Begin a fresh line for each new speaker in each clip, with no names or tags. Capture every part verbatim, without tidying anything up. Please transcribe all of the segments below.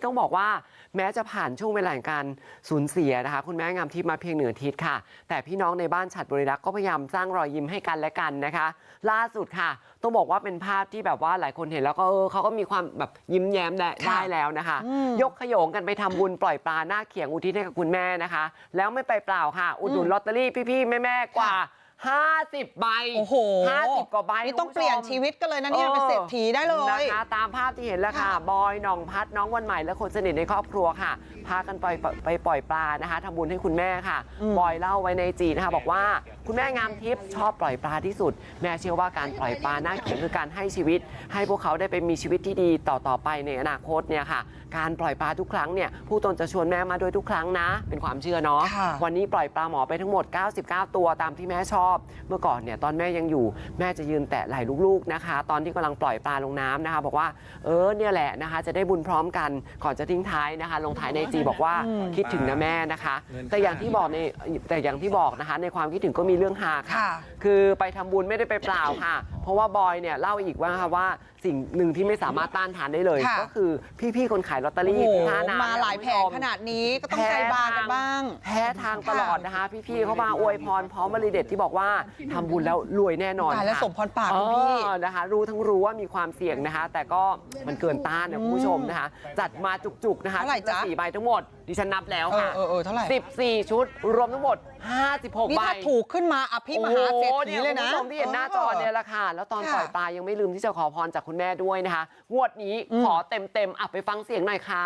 ต้องบอกว่าแม้จะผ่านช่วงเวลาการสูญเสียนะคะคุณแม่งามทิพย์มาเพียงหนึ่งอาทิตย์ค่ะแต่พี่น้องในบ้านฉัตรบริรักษ์ก็พยายามสร้างรอยยิ้มให้กันและกันนะคะล่าสุดค่ะต้องบอกว่าเป็นภาพที่แบบว่าหลายคนเห็นแล้วก็เออเขาก็มีความแบบยิ้มแย้มได้แล้วนะคะยกขยงกันไปทำบุญปล่อยปลาหน้าเขียงอุทิศให้กับคุณแม่นะคะแล้วไม่ไปเปล่าค่ะอุดหนุนลอตเตอรี่พี่ๆแม่ๆกว่าห้าสิบใบโอ้โหห้าสิบกว่าใบ
นี่ต้องเปลี่ยนชีวิตกันเลยนะเนี่ยเป็นเศรษฐีได้เลย
นะคะตามภาพที่เห็นแล้วค่ะบอยหน่องพัดน้องวันใหม่และคนสนิทในครอบครัวค่ะพากันไปไปปล่อยปลานะคะทำบุญให้คุณแม่ค่ะบอยเล่าไว้ในจีนะคะบอกว่าคุณแม่งามทิพย์ชอบปล่อยปลาที่สุดแม่เชื่อว่าการปล่อยปลาหน้าเขียงคือการให้ชีวิตให้พวกเขาได้ไปมีชีวิตที่ดีต่อต่อไปในอนาคตเนี่ยค่ะการปล่อยปลาทุกครั้งเนี่ยผู้ตนจะชวนแม่มาโดยทุกครั้งนะเป็นความเชื่อเนาะวันนี้ปล่อยปลาหมอไปทั้งหมดเก้าสิบเก้าตัวตามที่แม่ชอบเมื่อก่อนเนี่ยตอนแม่ยังอยู่แม่จะยืนแตะไหล่ลูกๆนะคะตอนที่กำลังปล่อยปลาลงน้ำนะคะบอกว่าเออเนี่ยแหละนะคะจะได้บุญพร้อมกันก่อนจะทิ้งท้ายนะคะลงท้ายในจีบอกว่าคิดถึงนะแม่นะคะแต่อย่างที่บอกในแต่อย่างที่บอกนะคะในความคิดถึงก็มีเรื่องฮาค่ะคือไปทำบุญไม่ได้ไปเปล่าค่ะเพราะว่าบอยเนี่ยเล่าอีกว่าค่ะว่าสิ่งหนึ่งที่ไม่สามารถต้านทานได้เลยก็คือพี่ๆคนขายลอตเตอรี่ท่าน้ำ
มาหลายแผงขนาดนี้ก็ต้องใจบางกันบ้าง
แพ้ทางตลอดนะคะพี่ๆเขามาอวยพรพร้อมบริเด็ดที่บอกว่าทำบุญแล้วรวยแน่นอน
ค่ะและสมพรปากคุณพี่
นะคะรู้ทั้งรู้ว่ามีความเสี่ยงนะคะแต่ก็มันเกินต้านนะคุณผู้ชมนะคะจัดมาจุกๆนะคะสี่ใบทั้งหมดดิฉันนับแล้วค่ะ
เออเท่าไหร่
สิบสี่ชุดรวมทั้งหมดห้าสิบหกใบนี่
ถ้าถูกขึ้นมาอภิมหาเศรษฐีเลยนะ
คุณผู้ชมที่เห็นหน้าจอเนี่ยแหละค่ะแล้วตอนปล่อยปลายังไม่ลืมที่จะขอพรจากคุณแม่ด้วยนะคะงวดนี้ขอเต็มๆอ่ะไปฟังเสียงหน่อยค่ะ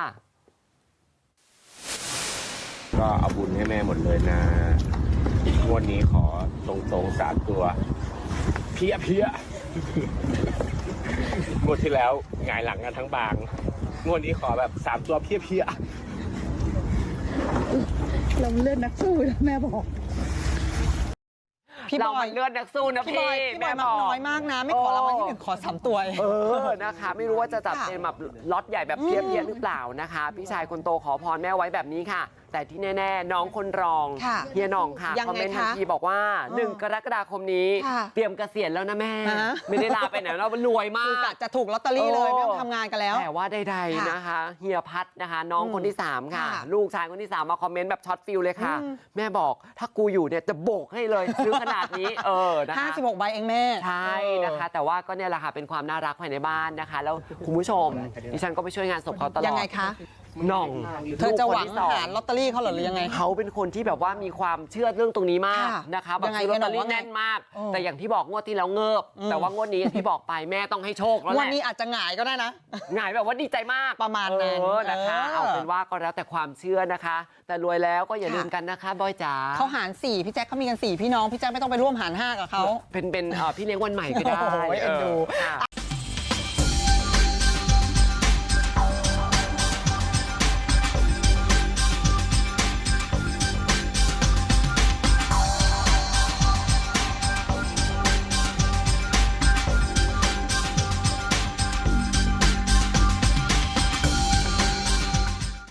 ก็เอาบุญให้แม่หมดเลยนะงวดนี้ขอตรงๆสามตัวเพี้ยเพี้ยงวดที่แล้วหงายหลังกันทั้งบางงวดนี้ขอแบบสามตัวเพี้ยเพี้ย
เราเลือดนักสู้นะแม่บอก
พี่บอยเลือดนักสู้นะพี่
แม่บอกน้อยมากนะไม่ขอรางวัลที่หนึ่งขอสามตัว
เออนะคะไม่รู้ว่าจะจัดเป็นแบบล็อตใหญ่แบบเพี้ยเพี้ยหรือเปล่านะคะพี่ชายคนโตขอพรแม่ไว้แบบนี้ค่ะแต่ที่แน่ๆน้องคนรองเฮียหน่องค่ะคอมเมนต์ทันทีบอกว่าหนึ่งกรกฎาคมนี้เตรียมเกษียณแล้วนะแม่ไม่ได้ลาไปไหนเรารวยมาก
จะถูกลอตเตอรี่เลยไม่ต้องทำงานกันแล้ว
แต่ว่าใดๆนะคะเฮียพัดนะคะน้องคนที่สามค่ะลูกชายคนที่สามมาคอมเมนต์แบบช็อตฟิลเลยค่ะแม่บอกถ้ากูอยู่เนี่ยจะโบกให้เลยซื้อขนาดนี้เออนะคะ
ห้าสิบหกใบเองแม่
ใช่นะคะแต่ว่าก็เนี่ยแหละค่ะเป็นความน่ารักภายในบ้านนะคะแล้วคุณผู้ชมดิฉันก็ไปช่วยงานศพเขาตลอด
ยังไงคะ
หน่อง
เธอจะหวังหาลอตเตอรี่เขาหรือยังไง
เขาเป็นคนที่แบบว่ามีความเชื่อเรื่องตรงนี้มากนะคะแบบซื้อลอตเตอรี่แน่นมากแต่อย่างที่บอกงวดที่แล้วเงิบแต่ว่างวดนี้ที่บอกไปแม่ต้องให้โชคแล้วแหละ
วันนี้อาจจะหงายก็ได้นะ
หงายแบบว่าดีใจมาก
ประมาณนั้น
นะคะเอาเป็นว่าก็แล้วแต่ความเชื่อนะคะแต่รวยแล้วก็อย่าลืมกันนะคะบอยจ๋า
เขาหารสี่พี่แจ็คเขามีกันสี่พี่น้องพี่แจ็คไม่ต้องไปร่วมหารห้ากับเขา
เป็นเป็นพี่เลี้ยงวันใหม่ก็ได้
เอ็นดู